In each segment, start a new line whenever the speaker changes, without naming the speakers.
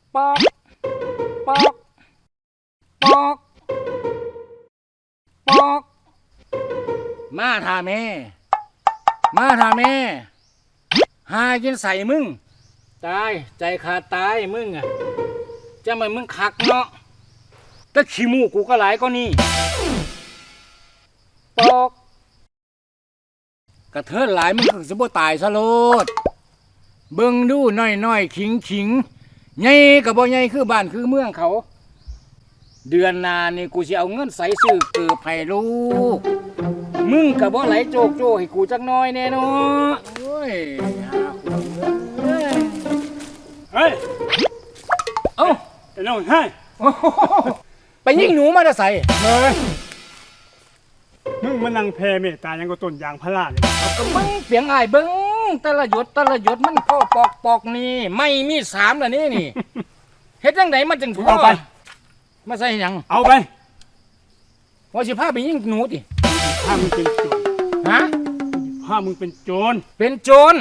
ปอกปอกปอกปอกมาท่าแม่มาท่าแม่หากินใส่มึงตายใจขาดตายมึงอ่ะจะไม่มึงคักเนาะแต่ขี้มูกกูก็หลายก็นี่ปอกกระเทินหลายมึงก็สิบ่ตายซะโลดเบิ่งดูน้อยขิงใหญ่ก็บ่ใหญ่คือบ้านคือเมืองเขาเดือนหน้านี่กูสิเอาเงินใส่ซื้อเกือบให้ลูกมึงก็บ่ไหลโจกโจให้กูจักหน่อยแน่เนาะโอ้ยหาคนเอ้ย
เฮ้ย
เอ้า
ไอ้น้องให้
โอ้โหไปยิงหนูมาจะใส่
เลยมึงมานั่งแพ่เมตตายังก็ต้นยางพาราเลย
ก็มึงเปียงอ้ายเบิ่งแต่ละหยดมันพ่อปอกนี่ไม่มีสามแล้วนี่ เฮ็ดจังไดมันจึงพอ
เอาไป
มาใส่หยัง
เอาไป
ว่าสิพาไปยิงหนูติ
ถ้ามึงเป็นโจร
ฮะ
ถ้ามึงเป็นโจร
เป็นโจร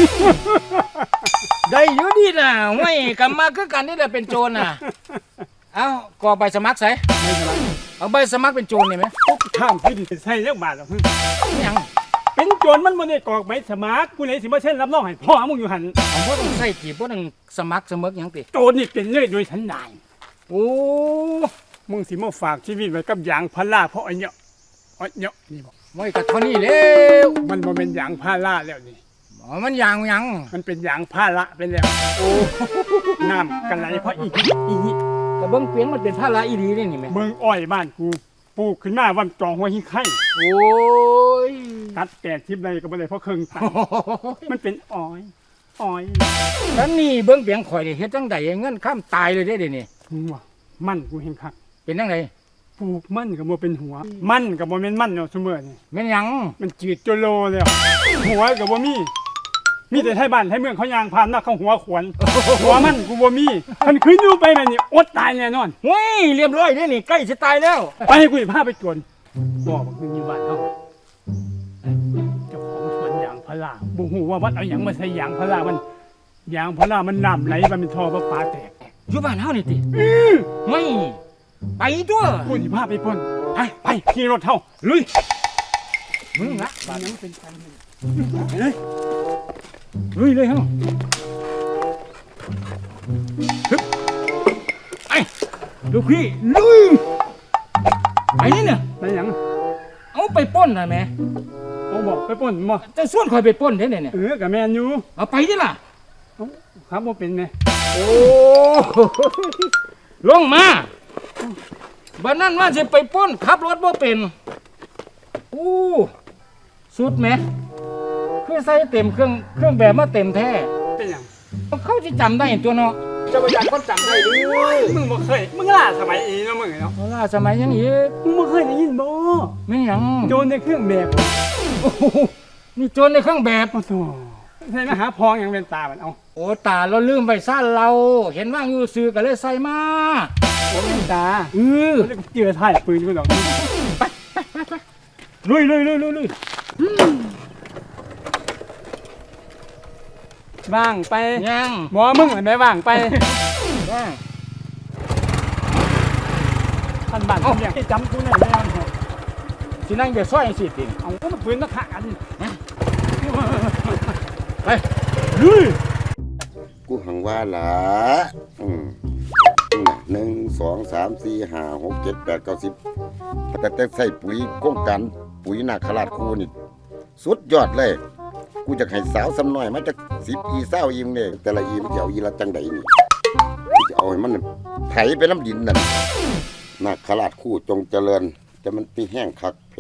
ได้อยู่ดีน่ะไม่กลับมาคือกันนี่แหละเป็นโจรน่ะเอ้าก็ใบสมัครใส่
ไม่เป็นไร
เอาใบสมัครเป็นโจรนี่ไหม
ปุ๊บข้ามขึ้นใส่เรื่องบาทหรอกมึง
หยัง
เป็นโจรมันบ่ได้กรอกใบสมัครกูเลยสิมาเช่นรับรองให้พ่อมึงอยู่หัน
ผมบ่ต้องใส่จีบบ่ต้องสมัครเสมอหยังติ
โจรนี่เป็นเลยโดยสันดาน
โอ้
มึงสิมาฝากชีวิตไว้กับยางพาราเพราะไอ้เนาะนี่บอก
ไว้ก็เท่านี้แล้ว
มันบ่เป็นยางพาราแล้วนี่
อ๋อมันหยัง
มันเป็นยางพาระไปแล้ว
โอ้
น้ำกันไหลเพราะอีนี่
แต่เบิ่งเปลี่ยนมันเป็นภาระอีหลีนี่แม่
เมืองอ้อยบ้านกูปลูกขึ้นมาวันจองหัวหิ้งไข่
โอ้ย
ตัด80ไร่ก็บ่ได้เพราะเครื่องตัดมันเป็นอ้อย
แล้วนี่เบิ่งเปียงข่อยนี่เฮ็ดจังไดเงินค้ำตายเลยเด้นี่
มึงว่ามันกูเห็นคัก
เป็นจังได
ปลูกมันก็บ่เป็นหัว มันก็บ่แม่นมันเนาะซุมื้อนี่
แม่นหยัง
มันจืดโจโลแล้วหัวก็บ่มีแต่ไทบ้านไทเมืองเขายางผ่านมาเขาหัวขวนหัวมันกูบ่มีมันขึ้นอยู่ไปแบบนี้อดตายแน่นอน
เฮ้ยเรียบร้อยเด้นี่ใกล้สิตายแล้ว
ไปให้กูพาไปจวนบอกมึงอยู่บ้านเฮาเจ้าของสวนยางพาราบ่ฮู้ว่าวัดเอาหยังมาใส่ยางพารามันยางพารามันน้ำไหลมันเป็นท่อประปาแตก
อยู่บ้านเฮานี่ติไม่ไปตัว
กูสิพาไปพ่นไปขี่รถเฮา
ลุยมึงละ
บ้านนั้นเป็นกัน
ไปเลยลุยเลยเฮาฮึบไปลูกพี่ลุยไปนี่เนี่ย
ไปหยัง
เอาไปปล้นน่ะแม่
เอาบอกไปพ่นบ่
จะส่วนข่อยไปปล้นเด้เนี่ย
ก็แม่นอยู่
เอาไปดิล่ะ
ครับบ่เป็นแม่
โอ้ลงมาบัดนั้นว่าสิไปปล้นขับรถบ่เป็นอู้สุดแหมคือใส่เต็มเครื่องแบบมาเต็มแท้
เป็นหยัง
เขาจะจำได้ตัวเนาะจะไปยังคนจำได้หรือ
มึงบ่เคยมึงล่าสมัยอีเนาะมึงเนาะ
เวลาสมัยยังอีก
มึงบ่เคยได้ยินบ่
ไม่หยัง
โจรในเครื่องแบบ
โอ้โหนี่โจรในเครื่องแบบ
โอ้โหใส่มาหาพองหยังเป็นตามันเอา
โอ้ตาเราลืมไปซ่านเรา เห็นว่างอยู่ซื้อก็เลยใส่มา
โอ้เป็นตา
เออ
แล้วก็เจือถ่ายปืนกูดอก
ลุย
ว่างไป
ยัง
บ่มึงเห็นไหมว่างไป
ยัง
ท่านบ้านเขาเรียกให้จำกูหน่อยแล้ว
สินั่งจะซ้อยสิติ
เอาก็มันปืนนักฆ่ากัน
ไปลุย
กูหังว่าล่ะ1 2 3 4 5 6 7 8 9 10แต่ใส่ปุ๋ยโครงการปุ๋ยนาคราชคูนี่สุดยอดเลย กูจะให้สาวซ้ำน้อยมาจาก10 อี20 อีมเนี่ยแต่ละอีมันจะเอาอีละจังใดนี่กูจะเอาให้มันไถไปน้ำดินนั่นนาคราชคู่จงเจริญจะมันปีแห้งคักเพ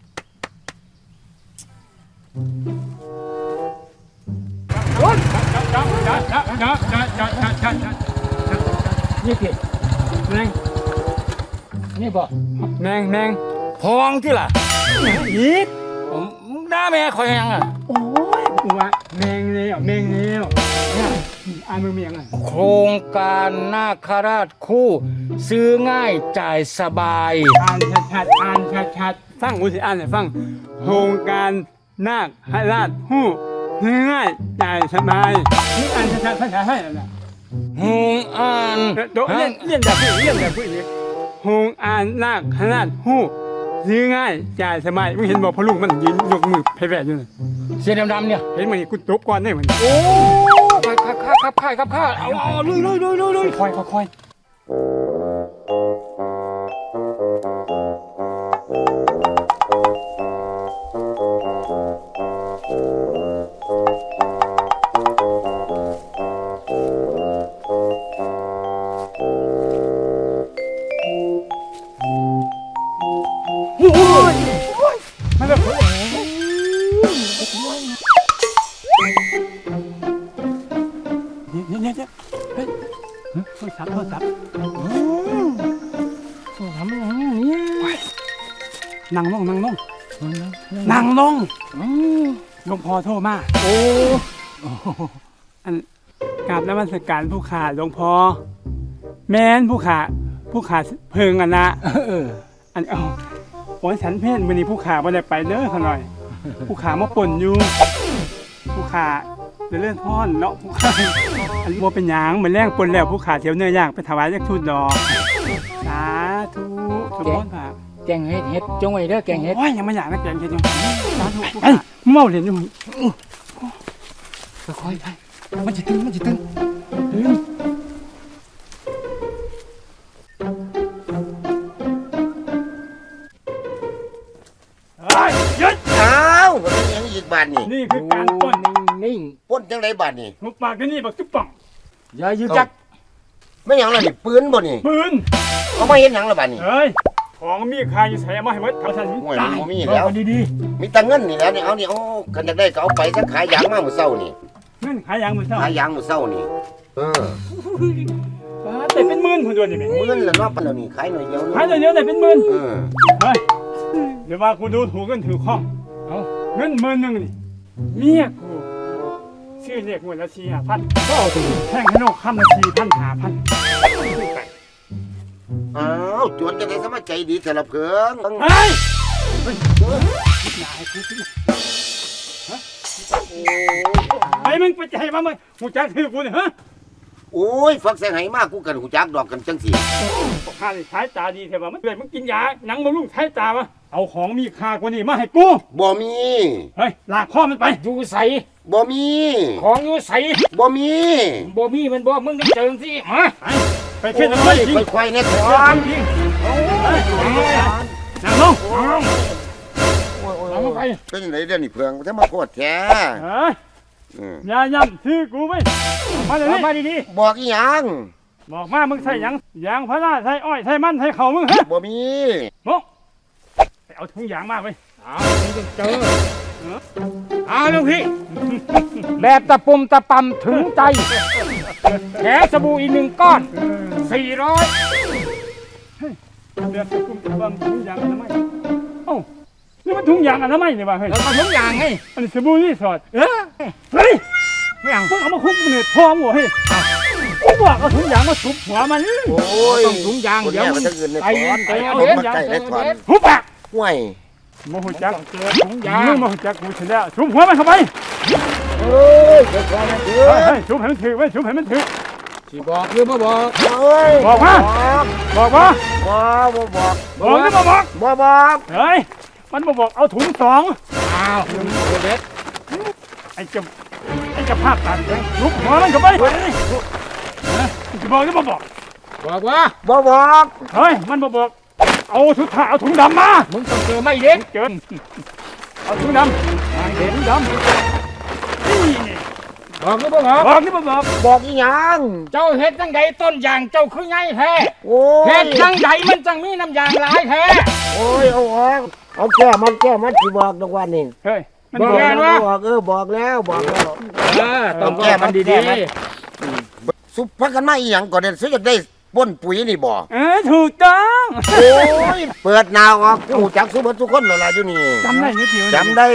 นี่พี่
แมง
นี่บ่
แมง
พองที่ล่ะ
อีก
ผมด่าแม่ข่อยยังอ่ะ
โอ้ยกูว่าแมงแล้วเนี่ยอ่านมึงมีอะไร
โครงการนาคราชคู่ ซื้อง่ายจ่ายสบาย
อ่านชัดฟังกูสิอ่านให้ฟังโครงการนาคราชฮู้ง่ายจ่ายสบายนี่อ่านชัดภาษาไทยนะ
หงอ่าน
โดเรียนแบบผู้อีกหงอ่านนาคขนาดหู้ซื้อง่ายจ่ายสมัยมึงเห็นบอกพอลูกมันยืนยกมือแผ่ๆอยู่น่ะ
เสียดำๆเนี่ย
เห็นมันกูตบก่อนได้มัน
โอ้ครับข้าเอาเลย
ค่อยโอ้ยมันแบบเนี่ยเฮ้ยโทรศัพท์
ทำอย่างนี้
นั่งลงหลวงพ่อโทรมา
โอ้
อันกราบนมัสการผู้ขาหลวงพ่อแม่นผู้ขาเพิงอันนะอันโอ้ยฉันเพ่นวันนี้ผู้ขาบ่ได้ไปเด้อเขาหน่อย ผู้ขามาป่นอยู่ ผู้ขาเลื่อนพ่อนเนาะผู้ขาอันบ่เป็นหยังเหมือนแรงป่นแล้วผู้ขาเสียวเนื้อย่างไปถวายจักทุนดอกสาธุสมบูรณ์ค่ะ
แกงเห็ดจงไว้เด้อแกงเห็ด
โอ้ยยังไม่อยากนะแกงเห็ดอยู่สาธุผู้ขาเมาเหรียญอยู่
ค่อยๆไปมันจะตึง
หยุด
อ้าวมันเป็นหยังอีกบาดนี่
นี่คือการป่น
นิ่ง
ป้นจังไดบาดนี่
หุบปากกันนี่บักตุ๊บป่อง
อย่ายืดจัก
ไม่หยังล่ะนี่ปืนบ่นี่
ปืน
เอามาเห็นหยังล่ะบาดนี่
เฮ้ยของมีค่าอยู่ใส่มาให้หมดเขาทัน
โอ้ย
ตาย
บ่มีแล้ว
ดี
มีแต่เงินนี่แหล้วนี่เอานี่เอากันอยากได้ก็เอาไปสักขายยางมามื้อเช้านี่
เงินขายยางมือเท่า
ขายยางมื้อเช้านี่
แต่เป็นหมื่นคนเดียวนี่แม่
มื้อละเนาะปานแล้วนี่ขายหน่อยเดียว
ขายเดียวแต่เป็นหมื่น
เออ
เฮ้ยเดี๋ยวว่ากูดูถูกกันถือข้อง
ๆเอา
เงินหมื่นหนึ่งนี่เมียกูชื่อเรียกหมดละ4,500ก็เอาถึงแท่งให้นกคำละ4,500ไป
อ้าวจวนจะได้สมาใจดีแต่ละเพิ่ง
เฮ้ยอย่าให้กูกินไอ้มึงไปใจมามึงหูจักถือกูเนี่ยฮะ
โอ้ยฟักแสงไหมากกูกันหูจักดอกกันจังสิ
ข้าเลยใช้ตาดีเถอะว่ามันเลยมึงกินยาหนังมึงลุงใช้ตาวะเอาของมีค่ากว่านี้มาให้กู
บ่มี
เฮ้ยลากข้อมันไป
อยู่ใส
บ่มี
ของอยู่ใส
บ่มี
บ่มีมันบ่มึงต้องเจอสิฮะ
ไปเข็นอะไรจริง
ค่อยๆเนี่ยถอน
นั่งลง
เอาไป
เป็นยังไงเดี๋ยวนี้เพิ่งถ้ามาโคตรแท้
เฮ้ย อย่าย่ำชื่อกูไปมาเดี๋ยวนี้
มาดี
บอกอีหยัง
บอกมามึงใส่หยังยางพาราใส่อ้อยใส่มันใส่เข่ามึงฮะ
บ่มี
โมไปเอาถุงยางมาไป
ๆเอามึงต้องเจอเอาลูกพี่ แบบตะปุ่มตะปำถึงใจแถสบู่อีก1 ก้อน 400
เดือดกุมบังถุงยางอนามัยเอ้านี่มันถุงยางอนามัยนี่วะเฮ้ย
แล้วก็ทุกอย่างไง
อันนี้สบู่รีสอร์ท
เออ
เฮ้ย
ไม่เอา
มึงเอามาคุบกูเนี่ยทองหัวเฮ้ยกูบอกเอาถุงยางมาทุบหัวมัน
โอ้ย
ต้องถุงยาง
คน
เดี๋ยว
แม่
มึ
มัน
ง
จะเงินใน
ไป
ถอน
ไปเอา
ผม
เด็ด
มาใกล้ได้ถอน
หุบปาก
ห่วย
โมโหจัก
ต้องเจอถุงยาง
มึงโมโหจักกูเฉยแล้วทุบหัวมันเข้าไป
เอ้ยค่อยๆนะเถ
เฮ้ย
อะ
เฮ้ยทุบให้มันถือไว้ทุบให้มันถือ
สิบอกหรือบ่บอก
เอ้ย
บอกมา บอกว่า
บอกบ่บอก
บอกหรือบ่บอก
บ่บอก
เฮ้ยมันบ่บอกเอาถุงสอง
อ้าวเด็ด
ไอ้เจะภาพตัดเลยลุกหัวมันเข้าไปจะบอกหรือบ่บอก
บอกว่า
บ่บอก
เฮ้ยมันบ่บอกเอาถุงเอาถุงดำมา
มึงต้องเจอไม่เด็ด
เกินเอาถุงดำเห็นดำนี่
บอกหรือบ่บอก
บอกหรือบ่บอก
บอกอีหยัง
เจ้าเฮ็ดจังใดต้นยางเจ้าคือไงแท้
โอ้
เฮ็
ย
ดจังใดมันจังมีน้ำยางหลายแท้
โอ้ยเอาออกเอาแก้มันสิบอกดอกวันนี้
เฮ้ยมัน
บอก
บอก
แล้ว
บอกบอกแล้วบอกแล้ว
ต้องแก้มันดี
สุภาพกันมาอีหยังก่อนเด่นซื้อจะได้ป้นปุ๋ยนี่บ่
ถูกต้อง
โอ้ยเปิดนาวออกกูจักสุเบิดทุกคนแล้วล่ะอยู่นี่
จำได้นิดเดียว
จำได้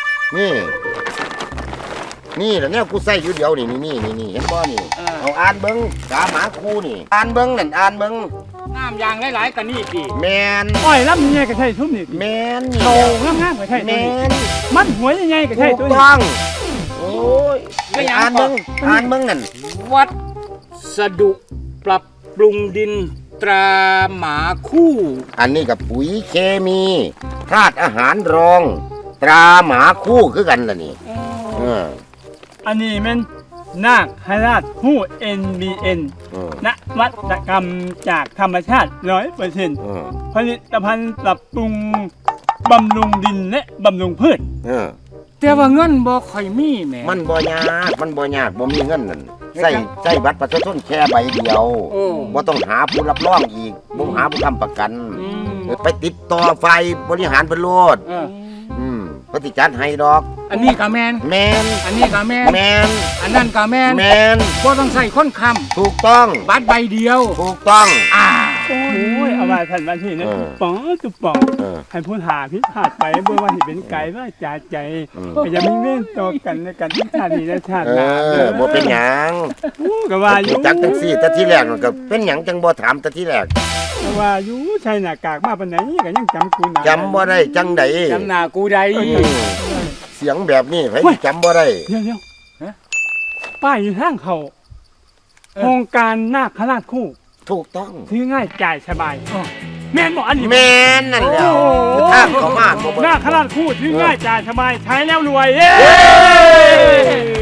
นี่แหละเนี่ยกูใส่อยู่เดียวนี่เห็นบ่นี่เอาอ่านเบิ่งกาหมาคูนี่อ่านเบิ่งนั่นอ่านเบิ่ง
ๆน้ำยางหลายๆกันนี่ดิ
แมน
อ้อยลำยังไงก็ใช่ทุ่มนี่
แมนนี่
โตงามๆก็ใช่
แม
ตัวนี้
น
มันหัวยังไงก็ใช่
ถูก
ตัวนี้
ต้องโอ้ยอ่านเบิ่งนั่น
วัดสดุปรับปรุงดินตราหมาคู่
อันนี้กับปุ๋ยเคมีธาตุอาหารรอง ตราหมาคู่คือกันล่ะนี่เออ
อันนี้แมันนาคราชผู้ NBN
เออ
นวัตกรรมจากธรรมชาติ 100%
เออ
ผลิตภัณฑ์ปรับปรุงบำรุงดินและบำรุงพืช
เออ
แต่ว่าเงินบ่ค่อยมีแหม
มันบ่ยากบ่มีเงินนั่นใส่บัตรประชาชนแค่ใบเดียว
โอ้
บ่ต้องหาผู้รับรองอีกบ่หาผู้ค้ำประกัน
อืม
ไปติดต่อไฟบริหารเพิ่นโลด
เออ
เพิ่นสิจัดให้ดอก
อันนี้ก็แม่น
แม่น
อันนี้ก็แม่น
แม่น
อันนั้นก็แม่น
แม่น
บ่ต้องใส่คนค้
ถูกต้อง
ำบัตรใบเดียว
ถูกต้อง
โอ้ยเอามาทันวันที่นะ
เออ
ตุ๊บป๋อง
เออ
ให้พูดหาพิพาทไปเบื่อว่าสิเป็นไก่ว่าจ่าใจ
อืม
ก็จะมีเม่นต่อกันในกันที่ชาตินี้และชาติหน้า
บ่เป็นหยัง
ก็ว่าอยู่
จักจังซี่แต่ที่แรกมันก็เป็นหยังจังบ่ถามแต่ที่แรก
ก็ว่าอยู่ใช่หน้ากากมาปานไหนก็ยังจำกูหน้า
จำบ่ได้จังได๋
จำหน้ากูได้
เสียงแบบนี้ไผสิจำบ่ได้
เดี๋ยว
ฮะ
ป้ายอยู่ทางเขา
เออ
โครงการนาคราชคู่
ถูกต้อง
ซื้อง่ายจ่ายสบายแม่นบอกอันนี้
แม่นนั่นแหล้ว
โอ้โห
ทางเขามาบ่
นาคราชคู่ซื้อง่ายจ่ายสบายใช้แล้วรวยเย้
เย้